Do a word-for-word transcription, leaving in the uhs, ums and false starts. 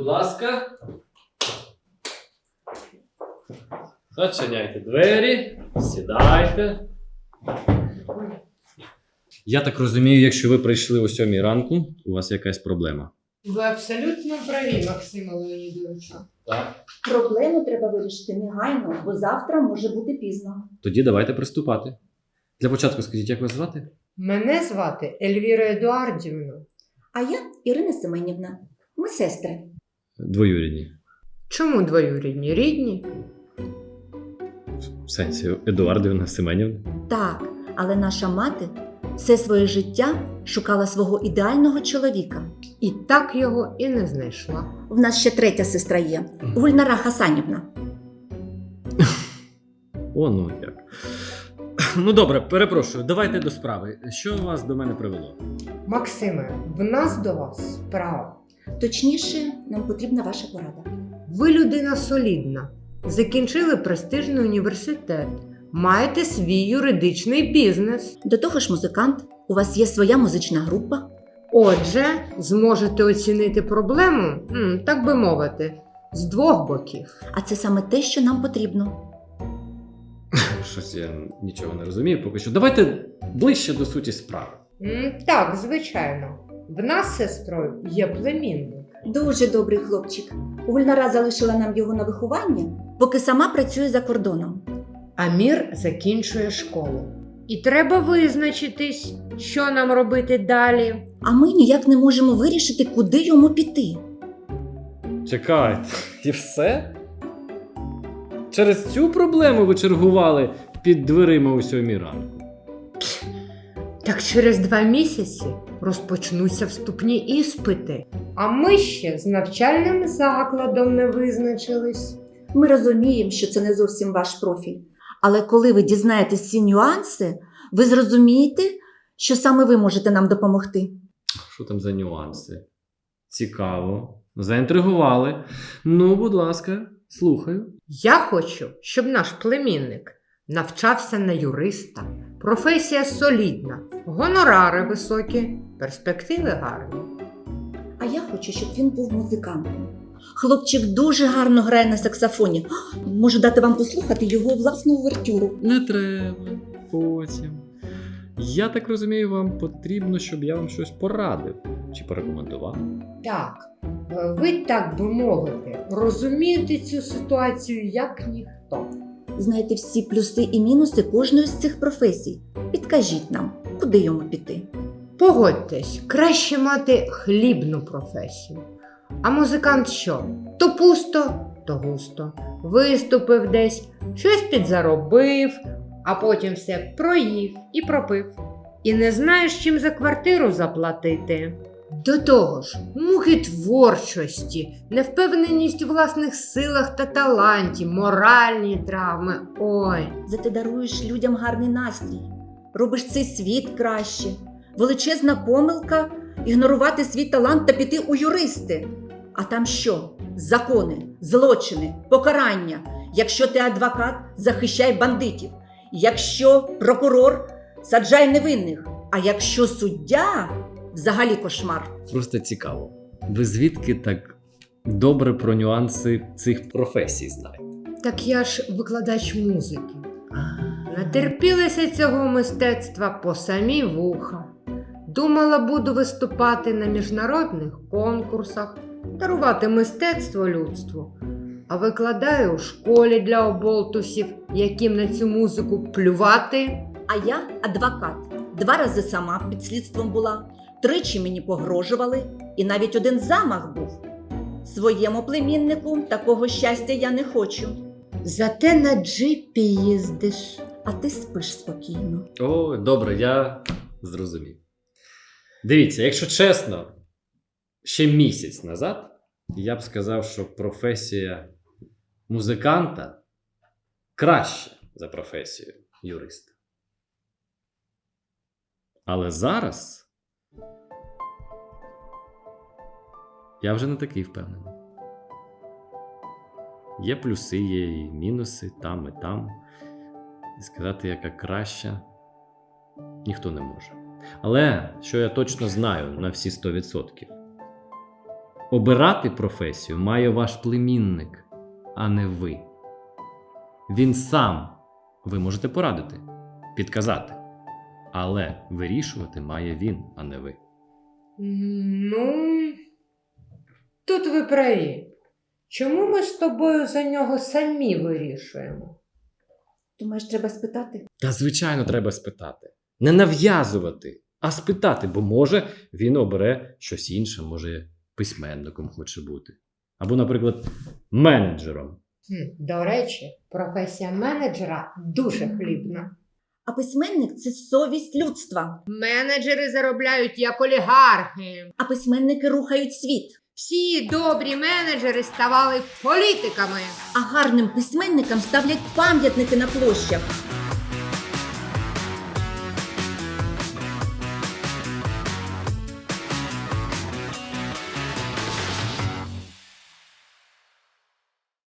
ласка. Зачиняйте двері, сідайте. Я так розумію, якщо ви прийшли о сьомій ранку, у вас якась проблема. Ви абсолютно праві, Максиме Леонідовичу. Так. Проблему треба вирішити негайно, бо завтра може бути пізно. Тоді давайте приступати. Для початку скажіть, як вас звати? Мене звати Ельвіра Едуардівна. А я Ірина Семенівна. Ми сестри. Двоюрідні. Чому двоюрідні? Рідні? В сенсі, Едуардівна Семенівна. Так, але наша мати все своє життя шукала свого ідеального чоловіка. І так його і не знайшла. В нас ще третя сестра є. Гульнара Хасанівна. О, ну як. Ну добре, перепрошую, давайте до справи. Що вас до мене привело? Максиме, в нас до вас справа. Точніше, нам потрібна ваша порада. Ви людина солідна. Закінчили престижний університет. Маєте свій юридичний бізнес. До того ж, музикант, у вас є своя музична група. Отже, зможете оцінити проблему, м, так би мовити, з двох боків. А це саме те, що нам потрібно. Щось я нічого не розумію поки що. Давайте ближче до суті справи. М, Так, звичайно. В нас з сестрою є племінник. Дуже добрий хлопчик. Гульнара залишила нам його на виховання, поки сама працює за кордоном. Амір закінчує школу. І треба визначитись, що нам робити далі. А ми ніяк не можемо вирішити, куди йому піти. Чекайте, і все? Через цю проблему ви чергували під дверима у сьомій ранку? Так через два місяці розпочнуться вступні іспити. А ми ще з навчальним закладом не визначились. Ми розуміємо, що це не зовсім ваш профіль. Але коли ви дізнаєтесь ці нюанси, ви зрозумієте, що саме ви можете нам допомогти. Що там за нюанси? Цікаво. Заінтригували. Ну, будь ласка, слухаю. Я хочу, щоб наш племінник навчався на юриста. Професія солідна, гонорари високі, перспективи гарні. А я хочу, щоб він був музикантом. Хлопчик дуже гарно грає на саксофоні. Можу дати вам послухати його власну увертюру. Не треба. Потім. Я так розумію, вам потрібно, щоб я вам щось порадив чи порекомендував. Так, ви, так би мовити, розумієте цю ситуацію як ніхто. Знаєте всі плюси і мінуси кожної з цих професій. Підкажіть нам, куди йому піти. Погодьтесь, краще мати хлібну професію. А музикант що? То пусто, то густо. Виступив десь, щось підзаробив, а потім все проїв і пропив. І не знаєш, чим за квартиру заплатити. До того ж, муки творчості, невпевненість у власних силах та таланті, моральні травми. Ой. Зате даруєш людям гарний настрій. Робиш цей світ краще. Величезна помилка – ігнорувати свій талант та піти у юристи. А там що? Закони, злочини, покарання. Якщо ти адвокат, захищай бандитів. Якщо прокурор, саджай невинних. А якщо суддя – взагалі кошмар. Просто цікаво. Ви звідки так добре про нюанси цих професій знаєте? Так я ж викладач музики. Натерпілася цього мистецтва по самі вуха. Думала, буду виступати на міжнародних конкурсах, дарувати мистецтво людству. А викладаю у школі для оболтусів, яким на цю музику плювати. А я адвокат. Два рази сама під слідством була, тричі мені погрожували, і навіть один замах був. Своєму племіннику такого щастя я не хочу. Зате на джипі їздиш. А ти спиш спокійно. О, добре, я зрозумів. Дивіться, якщо чесно, ще місяць назад я б сказав, що професія музиканта краща за професію юриста. Але зараз я вже не такий впевнений. Є плюси, є і мінуси там і там. І сказати, яка краща, ніхто не може. Але, що я точно знаю на всі сто відсотків, Обирати професію має ваш племінник, а не ви. Він сам. Ви можете порадити, підказати. Але вирішувати має він, а не ви. Ну, тут ви праві. Чому ми з тобою за нього самі вирішуємо? Думаєш, треба спитати? Та, звичайно, треба спитати. Не нав'язувати, а спитати, бо може він обере щось інше, може письменником хоче бути. Або, наприклад, менеджером. Хм, до речі, професія менеджера дуже хлібна. А письменник – це совість людства. Менеджери заробляють як олігархи. А письменники рухають світ. Всі добрі менеджери ставали політиками. А гарним письменникам ставлять пам'ятники на площах.